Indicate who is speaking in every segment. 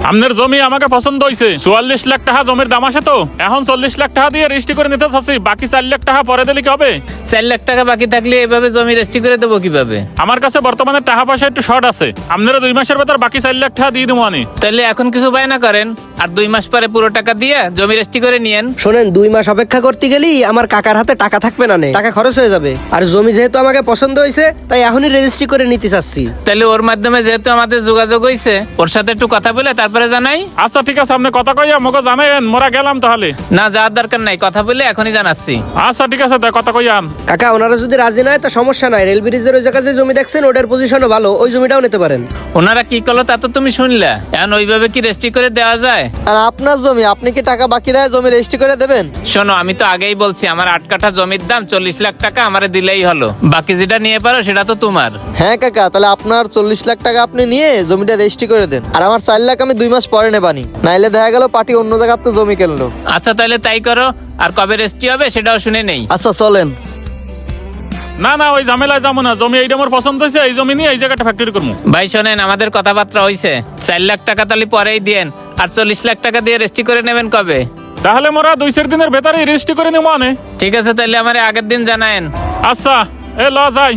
Speaker 1: আপনার জমি আমাকে পছন্দ হয়েছে। 44 লাখ টাকা জমির দাম আছে, তো এখন 40 লাখ টাকা দিয়ে রেজিস্ট্রি করে নিতে চাচ্ছি। বাকি 4 লাখ টাকা পরে দিলে কি হবে?
Speaker 2: 4 লাখ টাকা বাকি থাকলে এভাবে জমি রেজিস্ট্রি করে দেবো কিভাবে?
Speaker 1: আমার কাছে বর্তমানে টাকা পয়সা একটু শর্ট আছে। আপনারা 2 মাসের ভেতর বাকি 4 লাখ টাকা দিয়ে দেবো আমি।
Speaker 2: তাহলে এখন কিছু বায়না করেন, আর 2 মাস পরে পুরো টাকা দিয়ে জমি রেজিস্ট্রি করে নিয়েন।
Speaker 3: শোনেন, 2 মাস অপেক্ষা করতে গেলেই আমার কাকার হাতে টাকা থাকবে না, টাকা খরচ হয়ে যাবে। আর জমি যেহেতু আমাকে পছন্দ হয়েছে, তাই এখনই রেজিস্ট্রি করে নিতে চাচ্ছি।
Speaker 2: তাহলে ওর মাধ্যমে যেহেতু আমাদের যোগাযোগ হয়েছে, ওর সাথে একটু কথা বলে তারপরে জানাই।
Speaker 1: আচ্ছা ঠিক আছে, আপনি কথা কইয়া আমাকে জানাইন, মোরা গেলাম তাহলে।
Speaker 2: না, যাওয়ার দরকার নাই, কথা বলে এখনই জানাচ্ছি।
Speaker 1: আচ্ছা ঠিক আছে, কথা কইয়ান।
Speaker 3: কাকা, ওনারা যদি রাজি নয় তা সমস্যা নাই। রেল ব্রিজের ওই জায়গায় যে জমি দেখছেন, ওটার পজিশনও ভালো, ওই জমিটাও নিতে পারেন।
Speaker 2: ওনারা কি করলো তা তো তুমি শুনলা। এখন ওইভাবে কি রেজিস্ট্রি করে দেওয়া যায়?
Speaker 4: আর আপনার জমি, আপনি কি টাকা বাকি রায় জমি রেজিস্ট্রি করে দেবেন?
Speaker 2: শোনো, আমি তো আগেই বলছি আমার 8 কাঠা জমির দাম 40 লাখ টাকা, আমারে দিলেই হলো। বাকি যেটা নিয়ে পারো সেটা তো তোমার।
Speaker 4: হ্যাঁ কাকা, তাহলে আপনার 40 লাখ টাকা আপনি নিয়ে জমিটা রেজিস্ট্রি করে দেন। আর আমার 4 লাখ আমি 2 মাস পরে নেবানি, নাইলে দেখা গেল পার্টি অন্য জায়গাতে জমি কিনলো।
Speaker 2: আচ্ছা তাহলে তাই করো, আর কবে রেজিস্ট্রি হবে সেটাও শুনে নেই।
Speaker 4: আচ্ছা চলেন।
Speaker 1: না না, ওই ঝামেলায় যাবো না। জমি এইটা আমার পছন্দ হয়েছে, এই জমি নিয়ে এই জায়গাটা ফ্যাক্টরি করবো।
Speaker 2: ভাই শোনেন, আমাদের কথাবার্তা হয়েছে। 4 লাখ টাকা তাহলে পরেই দেন, আর 40 লাখ টাকা দিয়ে রেজিস্ট্রি করে নেবেন কবে?
Speaker 1: তাহলে মোরা 2-4 দিনের ভেতরেই রেজিস্ট্রি করে নেবো আনে।
Speaker 2: ঠিক আছে, তাহলে আমার আগের দিন জানায়েন।
Speaker 1: আচ্ছা, ল যাই।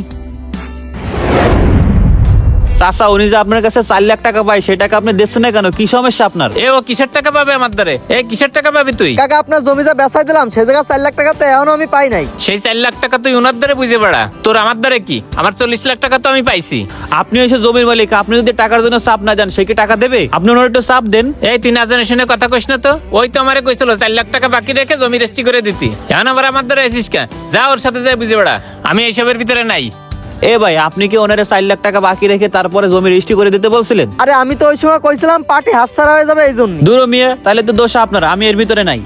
Speaker 5: চাচা, উনি যে আপনার কাছে 4 লাখ টাকা পায়, সেই টাকা আপনি দিচ্ছেন না কেন? কি সমস্যা আপনার?
Speaker 2: ও কিসের টাকা পাবে আমার দ্বারে? কিসের টাকা পাবি তুই?
Speaker 4: কাকা, আপনার জমি যা বেচাই দিলাম সে জায়গা 4 লাখ টাকা তো এখনো আমি পাই নাই।
Speaker 2: সেই 4 লাখ টাকা তুই ওনার দ্বারে বুঝে বেড়া, তোর আমার দ্বারে কি? আমার 40 লাখ টাকা তো আমি পাইছি।
Speaker 5: আপনি এসে জমির মালিক, আপনি যদি টাকার জন্য চাপ না দেন, সে কি টাকা দেবে? আপনি ওনার একটু চাপ দেন।
Speaker 2: তুই না জানে শুনে কথা কইস না তো। ওই তো আমারে কইছিল 4 লাখ টাকা বাকি রেখে জমি রেজিস্ট্রি করে দিতি। এখন আবার আমার দ্বারা এসিস কে? যা ওর সাথে যাই বুঝে বেড়া, আমি এইসবের ভিতরে নাই।
Speaker 5: ভাই, আপনি কি ওনারে 4 লাখ টাকা বাকি রেখে তারপরে জমি রেজিস্ট্রি করে দিতে বলছিলেন?
Speaker 4: আরে আমি তো ওই সময় কইছিলাম পার্টি হাতছাড়া হয়ে যাবে এই জন্য।
Speaker 5: দূর মিয়া, তাহলে তো দোষ আপনার, আমি এর ভিতরে নাই।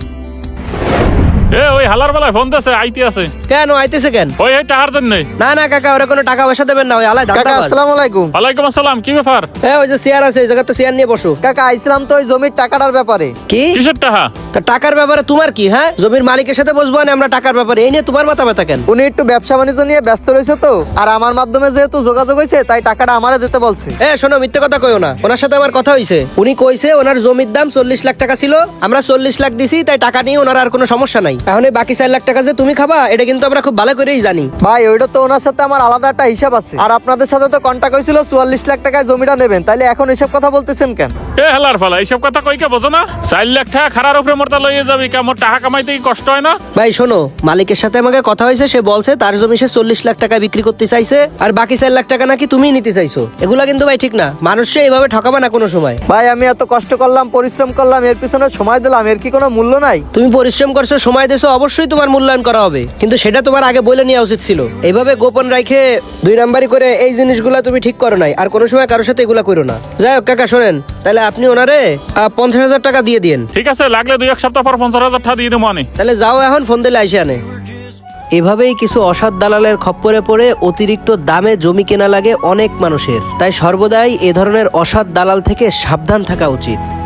Speaker 1: ওই হালার বেলায় ফোন দিয়েছে, আইতে আছে।
Speaker 3: কেন আইতেছে কেন?
Speaker 1: ওই টাকার জন্য।
Speaker 3: না না কাকা, ওরা কোনো টাকা পয়সা দেবেন না, ওই আলাই
Speaker 4: কাকা
Speaker 3: দাঁড়াবাজ।
Speaker 4: আসসালামু আলাইকুম।
Speaker 1: ওয়ালাইকুম আসসালাম, কি ব্যাপার?
Speaker 3: ওই যে চেয়ার আছে, এই জায়গাতে চেয়ার নিয়ে বসো।
Speaker 4: কাকা আইছিলাম তো ওই জমির টাকাটার ব্যাপারে।
Speaker 3: কি
Speaker 1: কিসের টাকা?
Speaker 3: তা টাকার ব্যাপারে তোমার কি? হ্যাঁ, জমির মালিকের সাথে বসবো না আমরা টাকার ব্যাপারে, এই নিয়ে তোমার মাথা ব্যথা কেন?
Speaker 4: উনি একটু ব্যবসা বাণিজ্য নিয়ে ব্যস্ত রয়েছে তো, আর আমার মাধ্যমে যেহেতু যোগাযোগ হয়েছে তাই টাকাটা আমারে দিতে বলছে।
Speaker 3: শোনো, মিথ্যে কথা কইও না। ওনার সাথে আমার কথা হয়েছে, উনি কইছে ওনার জমির দাম 40 লাখ টাকা ছিল, আমরা 40 লাখ দিছি, তাই টাকা নিয়ে ওনার আর কোনো সমস্যা নাই। এখন এই বাকি 4 লাখ টাকা যে তুমি খাবা, এটা কিন্তু আমরা খুব ভালো করেই জানি।
Speaker 4: ভাই ওইটা তো ওনার সাথে আমার আলাদা একটা হিসাব আছে, আর আপনাদের সাথে তো কন্টাক্ট হয়েছিল 44 লাখ টাকায় জমিটা নেবেন, তাইলে এখন এসব কথা বলতেছেন কেন?
Speaker 1: হালার ফালা, এইসব কথা কইকে বোঝো না? 4 লাখ টাকা খারার উপরে মোরটা লইয়ে যাবি, কেমন টাকা কামাইতে কি কষ্ট হয় না?
Speaker 3: ভাই শোনো, মালিকের সাথে আমাকে কথা হয়েছে, সে বলছে তার জমি সে 40 লাখ টাকা বিক্রি করতে চাইছে, আর বাকি 4 লাখ টাকা নাকি তুমি নিতে চাইছো। এগুলা কিন্তু ভাই ঠিক না, মানুষকে এইভাবে ঠকাবে না কোনো সময়।
Speaker 4: ভাই আমি এত কষ্ট করলাম, পরিশ্রম করলাম, এর পিছনে সময় দিলাম, এর কি কোনো মূল্য নাই?
Speaker 3: তুমি পরিশ্রম করছো, সময় দিয়েছো, অবশ্যই তোমার মূল্যায়ন করা হবে, কিন্তু সেটা তোমার আগে বলে নেওয়া উচিত ছিল। এইভাবে গোপন রাখে 2 নাম্বারি করে এই জিনিসগুলা তুমি ঠিক করো নাই, আর কোনো সময় কারোর সাথে এগুলা করো না। যাই হোক কাকা, শোনেন, তাহলে আপনি ওনারে 50,000 টাকা দিয়ে দিন।
Speaker 1: ঠিক আছে, লাগলে 2-1 সপ্তাহ পর 50,000 টাকা দিয়ে দেবো আনে।
Speaker 3: তাহলে যাও, এখন ফোন দিলে আইসে আনে। এভাবেই কিছু অসৎ দালালের খপ্পরে পড়ে অতিরিক্ত দামে জমি কেনা লাগে অনেক মানুষের। তাই সর্বদাই এ ধরনের অসৎ দালাল থেকে সাবধান থাকা উচিত।